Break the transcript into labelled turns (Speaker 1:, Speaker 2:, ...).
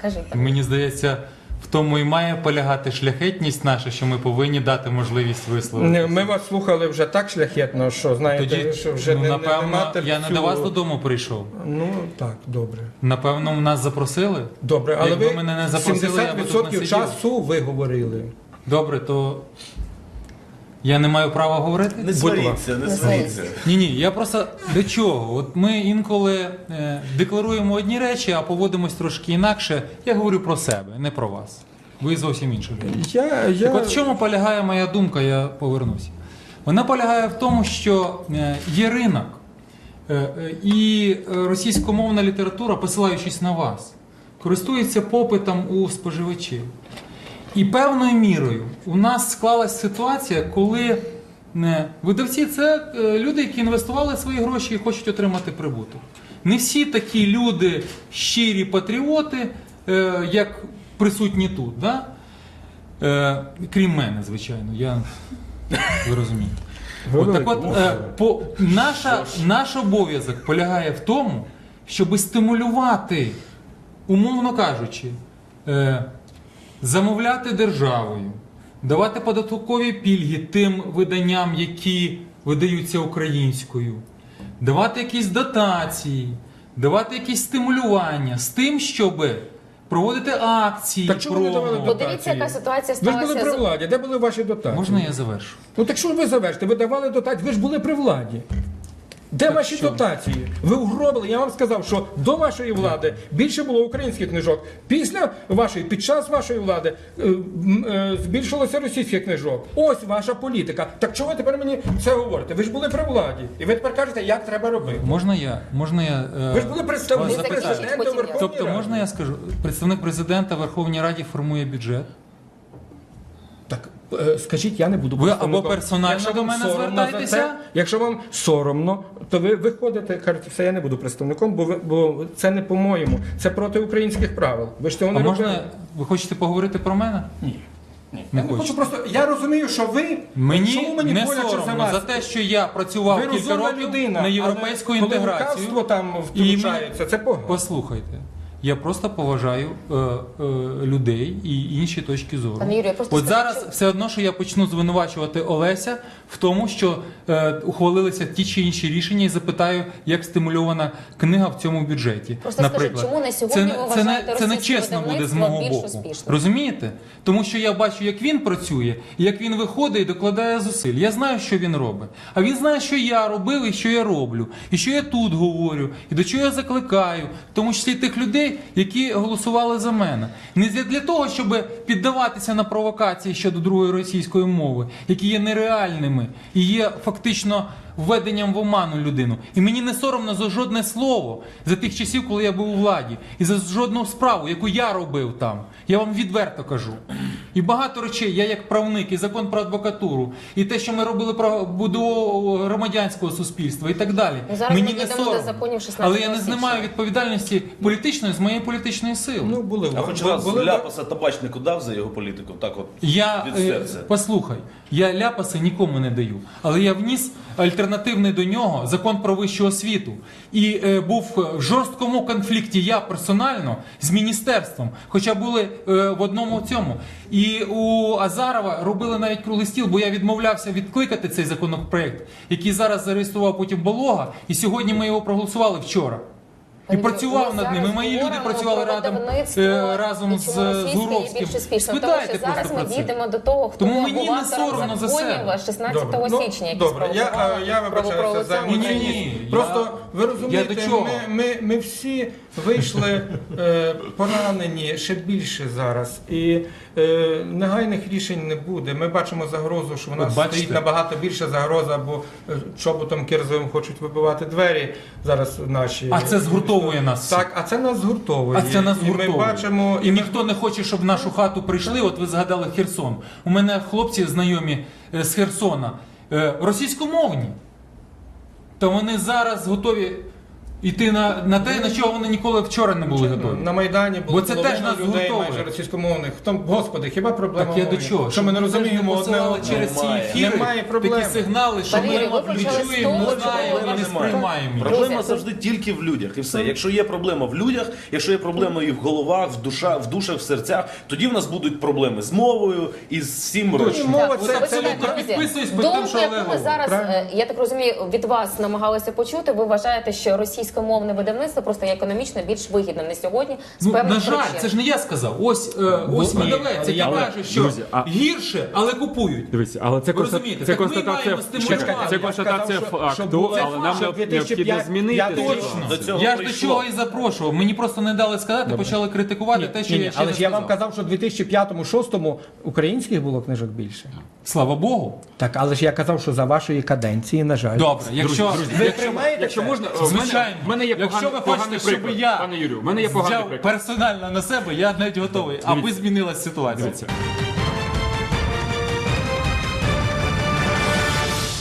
Speaker 1: Кажіть.
Speaker 2: Мені здається, в тому і має полягати шляхетність наша, що ми повинні дати можливість висловитися.
Speaker 3: Ми вас слухали вже так шляхетно, що знаєте,
Speaker 2: Тоді,
Speaker 3: що вже
Speaker 2: напевно, я не до вас додому прийшов.
Speaker 3: Ну так, добре.
Speaker 2: Напевно, нас запросили.
Speaker 3: Добре, але
Speaker 2: Якби
Speaker 3: ви
Speaker 2: мене не запросили, я би тут не
Speaker 3: 70%
Speaker 2: сидів.
Speaker 3: часу ви говорили.
Speaker 2: Добре, то я не маю права говорити?
Speaker 4: Не сваріться, не сваріться.
Speaker 2: Ні, я просто до чого? От ми інколи декларуємо одні речі, а поводимось трошки інакше. Я говорю про себе, не про вас. Ви зовсім інші люди. Так от в чому полягає моя думка, я повернуся. Вона полягає в тому, що є ринок, і російськомовна література, посилаючись на вас, користується попитом у споживачів. І певною мірою у нас склалась ситуація, коли видавці – це люди, які інвестували свої гроші і хочуть отримати прибуток. Не всі такі люди щирі патріоти, як присутні тут, да? Крім мене, звичайно, ви розумієте. Наш обов'язок полягає в тому, щоб стимулювати, умовно кажучи, замовляти державою, давати податкові пільги тим виданням, які видаються українською, давати якісь дотації, давати якісь стимулювання з тим, щоб проводити акції.
Speaker 3: Так чому ви не давали дотації?
Speaker 1: Подивіться, яка ситуація
Speaker 3: Ви ж були
Speaker 1: сталася
Speaker 3: при владі, де були ваші дотації?
Speaker 2: Можна я завершу?
Speaker 3: Ну так що ви завершите? Ви давали дотації, ви ж були при владі. Де ваші дотації? Ви угробили, я вам сказав, що до вашої влади більше було українських книжок. Після вашої, під час вашої влади збільшилося російських книжок. Ось ваша політика. Так чого ви тепер мені це говорите? Ви ж були при владі. І ви тепер кажете, як треба робити.
Speaker 2: Можна я
Speaker 3: Ви ж були представником
Speaker 1: запитаю.
Speaker 3: президента
Speaker 1: Потім я.
Speaker 3: Верховної
Speaker 2: Тобто,
Speaker 3: Ради.
Speaker 2: можна я скажу, представник президента в Верховній Раді формує бюджет?
Speaker 3: Так, скажіть, я не буду
Speaker 2: Ви
Speaker 3: представником.
Speaker 2: або персонально
Speaker 3: Якщо
Speaker 2: до
Speaker 3: вам
Speaker 2: мене
Speaker 3: соромно за
Speaker 2: звертайтеся.
Speaker 3: це, якщо вам соромно, то ви виходите, кажете, все, я не буду представником, бо це не по-моєму, це проти українських правил. Ви ж цього
Speaker 2: А
Speaker 3: не робили.
Speaker 2: можна, ви хочете поговорити про мене?
Speaker 3: Ні.
Speaker 2: Не
Speaker 3: Я не хочу
Speaker 2: хочу.
Speaker 3: просто, я розумію, що ви,
Speaker 2: Мені
Speaker 3: чому мені
Speaker 2: не
Speaker 3: боляче за
Speaker 2: соромно
Speaker 3: вас?
Speaker 2: за те, що я працював
Speaker 3: Ви
Speaker 2: кілька
Speaker 3: розумна
Speaker 2: років
Speaker 3: людина,
Speaker 2: на європейську
Speaker 3: але коли
Speaker 2: інтеграцію.
Speaker 3: лукавство там
Speaker 2: І
Speaker 3: втручається, це погано.
Speaker 2: Послухайте, я просто поважаю людей і інші точки зору.
Speaker 1: Пане Юрію, я просто
Speaker 2: От
Speaker 1: скажу,
Speaker 2: зараз
Speaker 1: що-
Speaker 2: все одно, що я почну звинувачувати Олеся в тому, що ухвалилися ті чи інші рішення, і запитаю, як стимульована книга в цьому бюджеті.
Speaker 1: Просто
Speaker 2: Наприклад,
Speaker 1: скажіть, чому на сьогодні ви вважаєте
Speaker 2: це не
Speaker 1: російське
Speaker 2: чесно буде з
Speaker 1: видавництво
Speaker 2: мого
Speaker 1: більш
Speaker 2: боку.
Speaker 1: успішним?
Speaker 2: Розумієте? Тому що я бачу, як він працює, і як він виходить і докладає зусиль. Я знаю, що він робить. А він знає, що я робив і що я роблю. І що я тут говорю, і до чого я закликаю, в тому числі тих людей, які голосували за мене. Не для того, щоб піддаватися на провокації щодо другої російської мови, які є нереальними і є фактично введенням в оману людину. І мені не соромно за жодне слово за тих часів, коли я був у владі, і за жодну справу, яку я робив там. Я вам відверто кажу. І багато речей, я як правник, і закон про адвокатуру, і те, що ми робили про будову громадянського суспільства і так далі.
Speaker 1: Ну, зараз
Speaker 2: мені
Speaker 1: ми
Speaker 2: не
Speaker 1: дійдемо до
Speaker 2: соромно.
Speaker 1: законів 16
Speaker 2: Але я не
Speaker 1: січня.
Speaker 2: знімаю відповідальності політичної з моєї політичної сили.
Speaker 3: Ну, були
Speaker 4: А хоч раз ляпаса табачнику дав за його політику, так от
Speaker 2: Я,
Speaker 4: від серця.
Speaker 2: послухай, я ляпаси нікому не даю, але я вніс альтернативний до нього закон про вищу освіту. І був в жорсткому конфлікті я персонально з міністерством, хоча були в одному цьому. І у Азарова робили навіть круглий стіл, бо я відмовлявся відкликати цей законопроект, який зараз зареєстрував потім Болога, і сьогодні ми його проголосували вчора. І
Speaker 1: Пане
Speaker 2: працював
Speaker 1: Юрію,
Speaker 2: над
Speaker 1: ми
Speaker 2: ними.
Speaker 1: зараз
Speaker 2: Мої люди
Speaker 1: говоримо
Speaker 2: працювали
Speaker 1: про видавництво,
Speaker 2: разом
Speaker 1: і
Speaker 2: з
Speaker 1: чому російське є
Speaker 2: Гуровським.
Speaker 1: більш успішним.
Speaker 2: Спитайте
Speaker 1: Тому що зараз
Speaker 2: просто
Speaker 1: ми
Speaker 2: про це.
Speaker 1: дійдемо до того, хто
Speaker 2: Тому
Speaker 1: був
Speaker 2: мені не
Speaker 1: автором
Speaker 2: соромно за
Speaker 1: законів
Speaker 2: себе.
Speaker 1: 16
Speaker 3: Добре.
Speaker 1: січня, які
Speaker 3: Добре, я
Speaker 1: спровокували
Speaker 3: вибачаюся за
Speaker 1: правоправоохоронні
Speaker 3: емоційні.
Speaker 2: Ні,
Speaker 3: Просто ви
Speaker 2: я
Speaker 3: розумієте,
Speaker 2: до чого?
Speaker 3: ми всі вийшли поранені ще більше зараз. І негайних рішень не буде. Ми бачимо загрозу, що в нас
Speaker 2: От бачите?
Speaker 3: стоїть набагато більша загроза, бо чоботом кирзовим хочуть вибивати двері зараз наші.
Speaker 2: А це згуртовує нас.
Speaker 3: Так, а це нас згуртовує.
Speaker 2: А це нас
Speaker 3: І
Speaker 2: гуртовує.
Speaker 3: ми бачимо,
Speaker 2: І ніхто не хоче, щоб в нашу хату прийшли. От ви згадали Херсон. У мене хлопці знайомі з Херсона російськомовні. То вони зараз готові іти на те, на чого вони ніколи вчора не були готові.
Speaker 3: На Майдані було
Speaker 2: Бо це теж
Speaker 3: половина
Speaker 2: нас
Speaker 3: людей
Speaker 2: гуртовує.
Speaker 3: майже російськомовних. Господи, хіба проблема
Speaker 2: Так я до
Speaker 3: мови?
Speaker 2: чого?
Speaker 3: Що ми не розуміємо одне
Speaker 2: посилали
Speaker 3: одного?
Speaker 2: через ці
Speaker 4: Немає.
Speaker 2: ефіри
Speaker 3: Немає проблем.
Speaker 2: такі сигнали, що
Speaker 1: Валерій, ви
Speaker 2: ми
Speaker 1: почали з
Speaker 2: чуємо,
Speaker 1: того,
Speaker 2: не знаємо
Speaker 1: що
Speaker 2: і не сприймаємо. їх.
Speaker 4: Проблема
Speaker 1: Друзі,
Speaker 4: завжди тільки в людях, і все. Якщо є проблема в людях, якщо є проблема і в головах, в душах, в серцях, тоді в нас будуть проблеми з мовою і з всім решта.
Speaker 3: Мова
Speaker 1: Так,
Speaker 3: це
Speaker 2: абсолютно
Speaker 1: почекайте, друзі.
Speaker 2: підписуюсь під тим,
Speaker 1: Думку,
Speaker 2: що
Speaker 1: яку
Speaker 2: Олег
Speaker 1: ви
Speaker 2: говорить.
Speaker 1: зараз,
Speaker 3: Правильно.
Speaker 1: я так розумію, від вас намагалися почути, ви вважаєте, що російськомовне видавництво просто є економічно більш вигідним на сьогодні з
Speaker 2: Ну,
Speaker 1: певних
Speaker 2: на жаль,
Speaker 1: причин.
Speaker 2: це ж не я сказав. Ось видавець, який
Speaker 3: але,
Speaker 2: каже, що
Speaker 5: друзі,
Speaker 2: гірше, але купують.
Speaker 5: Дивіться, але це,
Speaker 2: Ви розумієте?
Speaker 5: це
Speaker 2: Так ми
Speaker 5: констатація,
Speaker 2: маємо стимулювати.
Speaker 5: це
Speaker 2: Я
Speaker 5: констатація
Speaker 3: сказав, що
Speaker 5: факту,
Speaker 3: було-
Speaker 5: але нам
Speaker 3: що
Speaker 5: необхідно
Speaker 3: 2005
Speaker 5: змінити.
Speaker 2: Точно.
Speaker 4: До цього
Speaker 2: Я ж до
Speaker 4: прийшло.
Speaker 2: чого і запрошував. Мені просто не дали сказати, почали критикувати те, що я ще
Speaker 3: але
Speaker 2: не
Speaker 3: ж я вам
Speaker 2: сказав.
Speaker 3: казав, що в 2005-2006 українських було книжок більше.
Speaker 2: Слава Богу.
Speaker 3: Так, але ж я казав, що за вашої каденції, на жаль.
Speaker 2: Добре, якщо
Speaker 3: приймаєте
Speaker 5: Якщо
Speaker 3: це?
Speaker 5: можна,
Speaker 2: Звичайно.
Speaker 5: в мене є
Speaker 2: Якщо ви
Speaker 5: поганий
Speaker 2: хочете, щоб
Speaker 5: приклад,
Speaker 2: я
Speaker 5: пане Юрію, в мене є поганий
Speaker 2: взяв
Speaker 5: приклад.
Speaker 2: персонально на себе, я навіть готовий, аби змінилась ситуація.
Speaker 5: Дивіться.